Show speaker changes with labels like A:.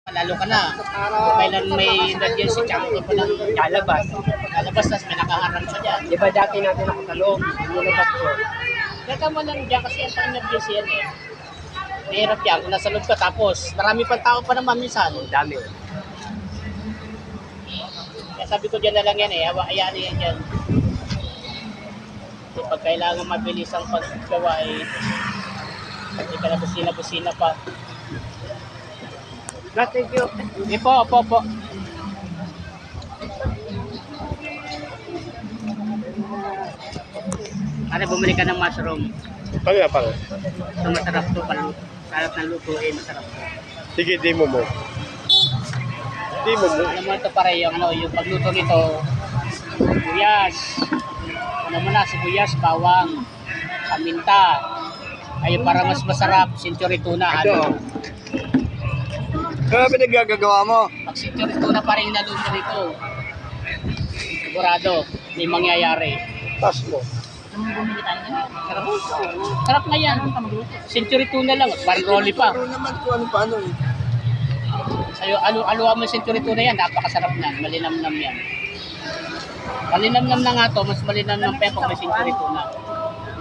A: Lalo ka na. Kailan may emergency, tsaka ka pa lang lalabas. Lalabas, tas may nakaharap ka dyan.
B: Di ba dati natin nakatalong? Nilabas ko.
A: Kaya mo lang dyan kasi ang pang-emergency yan eh. Mahirap yan kung nasa loob ka tapos marami pang tao pa naman minsan.
B: Dami.
A: Kaya sabi ko dyan na lang yan eh, hayaan yan dyan. So, pag kailangan mabilis ang paggawa eh, hindi ka na busina-busina pa.
B: Thank you.
A: Opo. Ano, bumili ka ng mushroom.
C: Pang.
A: Ito masarap to, sarap ng lutuin, masarap to.
C: Sige, demo mo. Demo mo.
A: Alam mo ito pare, yung pagluto nito, sibuyas. Ano mo na, sibuyas, bawang, paminta. Ay, para mas masarap, century tuna. Ano?
C: Ano pinaggagawa mo?
A: Pag century tuna pa rin naluto nito, sigurado, may mangyayari.
C: Tas mo.
A: Sarap. Sarap na yan. Century tuna lang, parang rolly pa.
C: Pero naman kung ano paano eh.
A: Sa'yo, aluwa mo yung century tuna yan, napakasarap na, malinamnam yan. Malinamnam na nga to, mas malinamnam pa yan pag may century tuna.